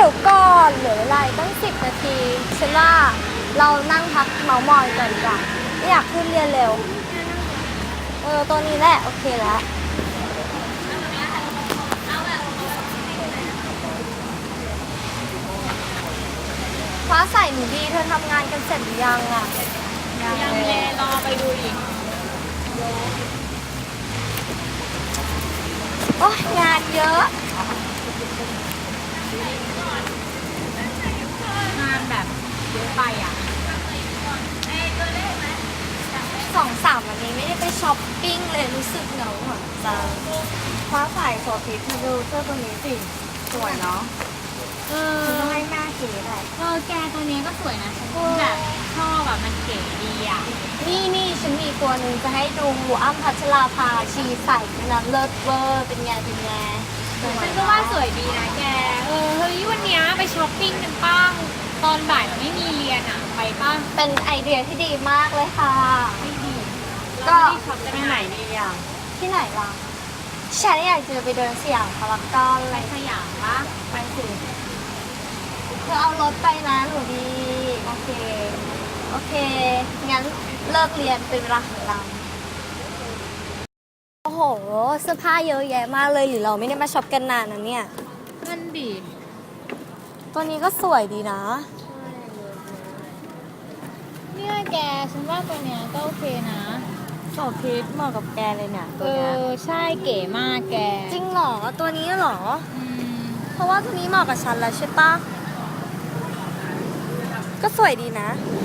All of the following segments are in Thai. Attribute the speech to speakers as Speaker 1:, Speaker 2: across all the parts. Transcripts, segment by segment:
Speaker 1: ยวก่อนเหลือเวลาตั้ง10 นาทีฉันว่าเรานั่งพักเมาท์มอยก่อนดีกว่าไม่อยากขึ้นเรียนเร็วตัวนี้แหละโอเคแล้วฟ้าใสหนูดีเธอทำงานกันเสร็จหรือยังอ่ะ
Speaker 2: ยังเลยรอไปดูอีก
Speaker 1: โอ้ยงานเยอะ
Speaker 2: งานแบบเยอะไปอ่ะ
Speaker 1: 2-3วันนี้ไม่ได้ไปช้อปปิ้งเลยรู้สึกเหงาหัวใจฟ้าใสโซฟิตมาดูเสื้อตัวนี้สิสวยเนาะฉันต้องให้แม่เก๋แหละ
Speaker 2: แกตัวนี้ก็สวยนะฉันแบบชอบแบบมันเก๋ดีอ่ะ
Speaker 1: นี่ฉันมีตัวหนึ่งจะให้ดูอ้ำพัชราภาชีใส่นะเลิศเวอร์เป็นไง
Speaker 2: ฉันก็ว่าสวยดีนะแกเฮ้ยวันนี้ไปช้อปปิ้งกันป้างตอนบ่ายเราไม่มีเรียนอ่ะไปป้าง
Speaker 1: เป็นไอเดียที่ดีมากเลยค่ะ
Speaker 2: ไม่ดี
Speaker 1: ก็
Speaker 2: ช็อปไป
Speaker 1: ไหนดีอย่างที่ไหนล่ะฉันอยากจะไปเดินสยามพารากอน
Speaker 2: ไปสยามปะ
Speaker 1: ไปสิเธอเอารถไปนะหนูดีโอเคงั้นเลิกเรียนเป็นเวลาของเราโอ้โหเสื้อผ้าเยอะแยะมากเลยหรือเราไม่ได้มาช็อปกันนานนะเนี่ย
Speaker 2: นั่นดิ
Speaker 1: ตัวนี้ก็สวยดีนะ
Speaker 2: เนี่ยแกฉันว่าตัวเนี้ยก็โอเคนะ
Speaker 1: โซฟิตเหมาะกับแกเลยเนี่ยตัวนี้
Speaker 2: ใช่เก๋มากแก
Speaker 1: จริงเหรอตัวนี้เหรอเพราะว่าตัวนี้เหมาะกับฉันแล้วใช่ปะก็สวยดีนะ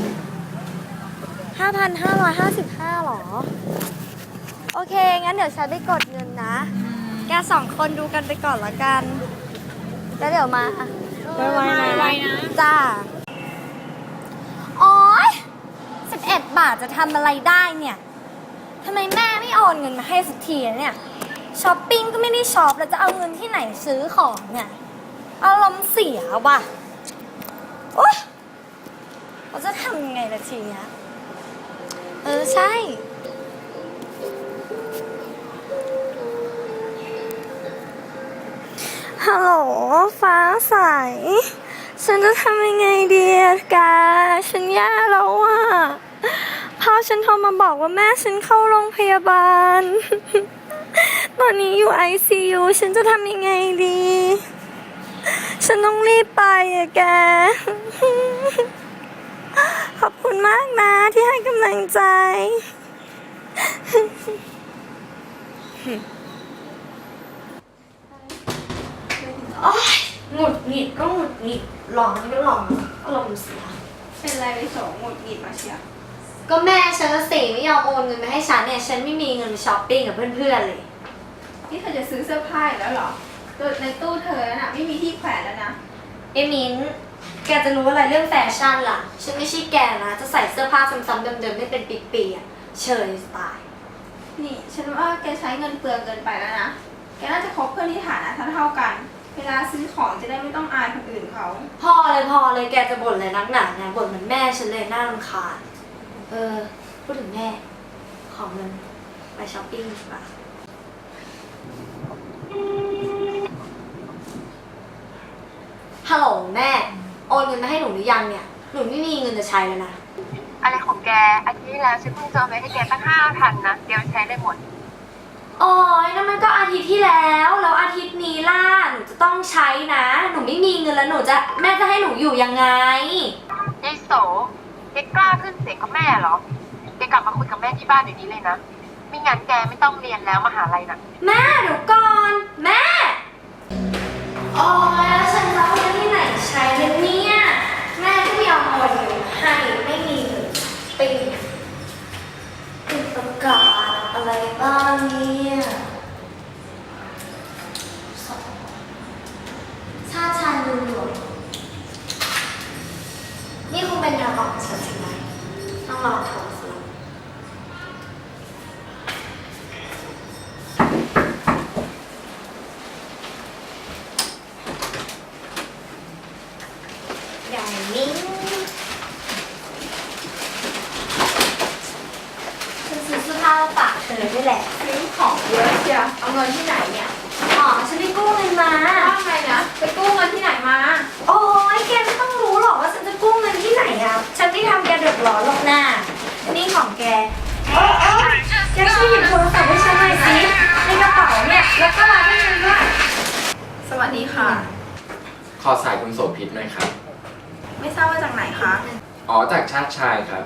Speaker 1: 5,555 หรอโอเคงั้นเดี๋ยวฉันไปกดเงินนะแก2 คนดูกันไปก่อนละกันแล้วเดี๋ยวมา
Speaker 2: ไวนะ
Speaker 1: จ้าโอ๊ย11 บาทจะทำอะไรได้เนี่ยทำไมแม่ไม่โอนเงินมาให้สักทีเนี่ยช้อปปิ้งก็ไม่ได้ช็อปแล้วจะเอาเงินที่ไหนซื้อของเนี่ยอารมณ์เสียว่ะโอ๊ยเราจะทำยังไงล่ะทีเนี้ยใช่ฮัลโหลฟ้าใสฉันจะทำยังไงดีกาฉันแย่แล้วอ่ะพ่อฉันโทรมาบอกว่าแม่ฉันเข้าโรงพยาบาลตอนนี้อยู่ ICU ฉันจะทำยังไงดีฉันต้องรีบไปอะแกขอบคุณมากนะที่ให้กำลังใจโอ๊ยหงุดหงิดก็หงุดหงิดหลอนก็หลอนอารมณ์เสีย
Speaker 2: เป็นไรไปโสหงุดหงิดมาเชีย
Speaker 1: ก็แม่ฉันจะสิไม่ยอมโอนเงินมาให้ฉันเนี่ยฉันไม่มีเงินไปช้อปปิ้งกับเพื่อนๆเลย
Speaker 2: นี่เธอจะซื้อเสื้อผ้าแล้วเหรอในตู้เธอน่ะไม่มีที่แขวนแล้วนะ
Speaker 1: มิ้นแกจะรู้อะไรเรื่องแฟชั่นล่ะฉันไม่ใช่แกนะจะใส่เสื้อผ้าซ้ำๆเดิมๆไม่เป็นปีๆอ่ะเชยสไตล์
Speaker 2: นี่ฉันว่าแกใช้เงินเปลืองเกินไปแล้วนะแกน่าจะคบเพื่อนที่ฐานะเท่ากันเวลาซื้อของจะได้ไม่ต้องอายคนอื่นเขา
Speaker 1: พอเลยแกจะบ่นเลยนักหนาไงบ่นเหมือนแม่ฉันเลยน่ารำคาญพูดถึงแม่ขอเงินไปช้อปปิ้งดีกว่าฮัลโหลแม่โอนเงินมาให้หนูหรือยังเนี่ยหนูไม่มีเงินจะใช้แล้วนะ
Speaker 3: อะไรของแกอาทิตย์ที่แล้วฉันเพิ่งจะเอาไปให้แกตั้ง5,000นะเดี๋ยวมันใช้ได้หมด
Speaker 1: โอ้ยนั่นมันก็อาทิตย์ที่แล้วอาทิตย์นี้ล่ะหนูจะต้องใช้นะหนูไม่มีเงินแล้วแม่จะให้หนูอยู่ยังไง
Speaker 3: ยายโสแกกล้าขึ้นเสียงกับแม่เหรอแกกลับมาคุยกับแม่ที่บ้านเดี๋ยวนี้เลยนะไม่งั้นแกไม่ต้องเรียนแล้วมหาลัยน่ะ
Speaker 1: แม่เดี๋ยวก่อนแม่โอ้ยแล้วฉันจะเอาเงินที่ไหนใช้เนี่ยแม่ก็ไม่ยอมโอนเงินให้ไม่มีเงินติดประกาศอะไรบ้างเนี่ยชาติชายลืมหลวงนี่คงเป็นทางออกของฉันใช่ไหมต้องรอเธอสิอย่างนี้ฉันซื้อเสื้อผ้ามาฝากเธอด้วยแหละ
Speaker 2: ซื้อของเยอะเชียวเอาเงินที่ไหนเนี่ย
Speaker 1: ฉันไปกู้เงินมา
Speaker 2: ว่าไงนะไปกู้เงินที่ไหนมา
Speaker 1: โอ้
Speaker 2: วัสดีค่ะ
Speaker 4: ขอสายคุณโสภิตหน่อยครับ
Speaker 2: ไม่ทราบว่าจากไหนคะ
Speaker 4: อ๋อ จากชาติชายครับ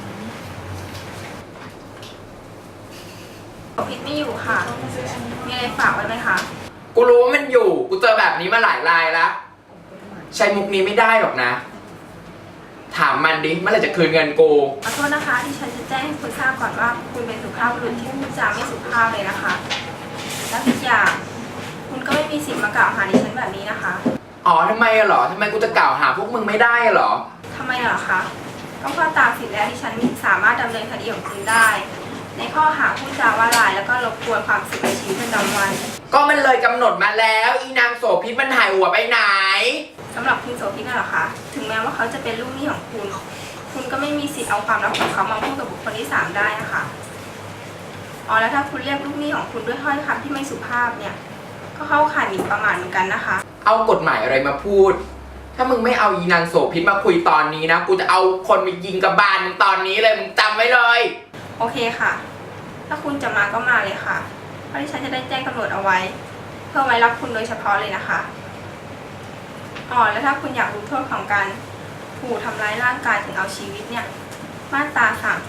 Speaker 2: พิษไม่อยู่ค่ะ มีอะไรฝากไว้ไหมคะ
Speaker 4: กูรู้ว่ามันอยู่ กูเจอแบบนี้มาหลายรายแล้ว ใช้มุกนี้ไม่ได้หรอกนะ ถามมันดิ เมื่อไหร่จะคืนเงินกู
Speaker 2: ขอโทษนะคะที่ฉันจะแจ้งให้คุณทราบก่อนว่าคุณเป็นสุภาพบุรุษที่พูดจาไม่สุภาพเลยนะคะ และอีกอย่าง คุณก็ไม่มีสิทธิ์มากล่าวหาดิฉันแบบนี้นะคะ
Speaker 4: อ๋อทำไมอะเหรอทำไมกูจะกล่าวหาพวกมึงไม่ได้อะเหรอ
Speaker 2: ทำไมเหรอคะก็เพราะตามสิทธิ์แล้วดิฉันสามารถดำเนินคดีของคุณได้ ในข้อหาพูดจาว่าลายแล้วก็รบกวนความสุขในชีวิตประจำวัน
Speaker 4: ก็มันเลยกำหนดมาแล้ว อีนางโสภิตมันหายหัวไปไหน
Speaker 2: สำหรับคุณโสภิตน่ะเหรอคะ ถึงแม้ว่าเขาจะเป็นลูกหนี้ของคุณ คุณก็ไม่มีสิทธิ์เอาความลับของเขามาพูดกับบุคคลที่สามได้นะคะ อ๋อแล้วถ้าคุณเรียกลูกหนี้ของคุณด้วยถ้อยคำที่ไม่สุภาพเนี่ย ก็เข้าข่ายหมิ่นประมาทเหมือนกันนะคะ
Speaker 4: เอากฎหมายอะไรมาพูด ถ้ามึงไม่เอาอีนางโสภิตมาคุยตอนนี้นะ กูจะเอาคนไปยิงกับบานมึงตอนนี้เลย มึงจำไว้เลย
Speaker 2: โอเคค่ะ ถ้าคุณจะมาก็มาเลยค่ะ เพราะที่ฉันจะได้แจ้งตำรวจเอาไว้ เพื่อไว้รับคุณโดยเฉพาะเลยนะคะ อ๋อแล้วถ้าคุณอยากรู้โทษของการถูกทำร้ายร่างกายถึงเอาชีวิตเนี่ย มาตรา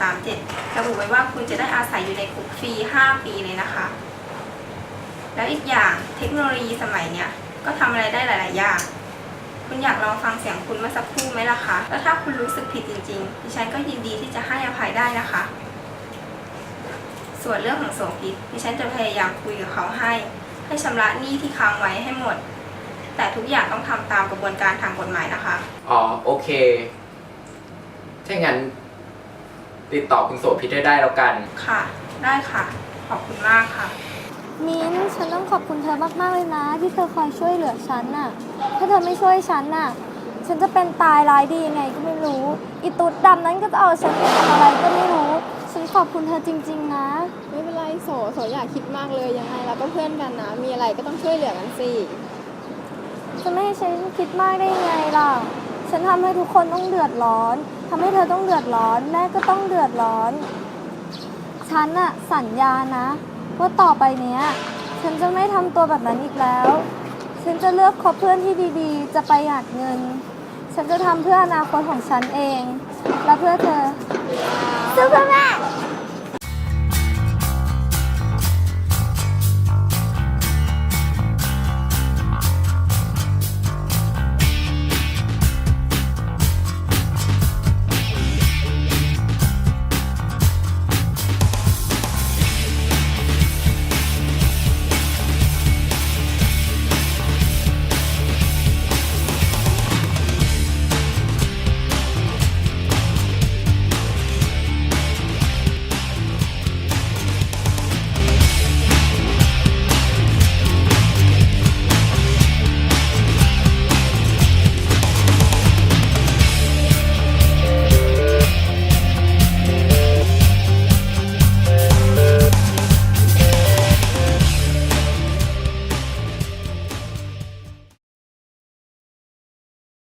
Speaker 2: 337 ระบุไว้ว่าคุณจะได้อาศัยอยู่ในคุกฟรี 5 ปีเลยนะคะ แล้วอีกอย่างเทคโนโลยีสมัยเนี้ยก็ทำอะไรได้หลาย ๆ อย่าง คุณอยากลองฟังเสียงคุณเมื่อสักครู่ไหมล่ะคะ แล้วถ้าคุณรู้สึกผิดจริง ๆ ดิฉันก็ยินดีที่จะให้อภัยได้นะคะ ส่วนเรื่องของโสภิตดิฉันจะพยายามคุยกับเขาให้ชำระหนี้ที่ค้างไว้ให้หมด แต่ทุกอย่างต้องทำตามกระบวนการทางกฎหมายนะคะ
Speaker 4: อ๋อโอเค ถ้างั้น ติดต่อคุณโสภิตได้แล้วกัน
Speaker 2: ค่ะ ได้ค่ะ ขอบคุณมากค่ะ
Speaker 1: มิ้นท์ฉันต้องขอบคุณเธอมากๆเลยนะ ที่เธอคอยช่วยเหลือฉันน่ะ ถ้าเธอไม่ช่วยฉันน่ะ ฉันจะเป็นตายร้ายดียังไงก็ไม่รู้ อีตุ๊ดดำนั้นก็จะเอาฉันไปทำอะไรก็ไม่รู้ ฉันขอบคุณเธอจริงๆนะ
Speaker 5: ไม่เป็นไรโสอย่าคิดมากเลยยังไงเราก็เพื่อนกันนะ มีอะไรก็ต้องช่วยเหลือกันสิ
Speaker 1: จะไม่ให้ฉันคิดมากได้ยังไงล่ะ ฉันทำให้ทุกคนต้องเดือดร้อนทำให้เธอต้องเดือดร้อน แม่ก็ต้องเดือดร้อน ฉันน่ะสัญญานะว่าต่อไปเนี้ย ฉันจะไม่ทำตัวแบบนั้นอีกแล้ว ฉันจะเลือกคบเพื่อนที่ดีๆ จะประหยัดเงิน ฉันจะทำเพื่ออนาคตของฉันเอง และเพื่อเธอสู้เพื่อแม่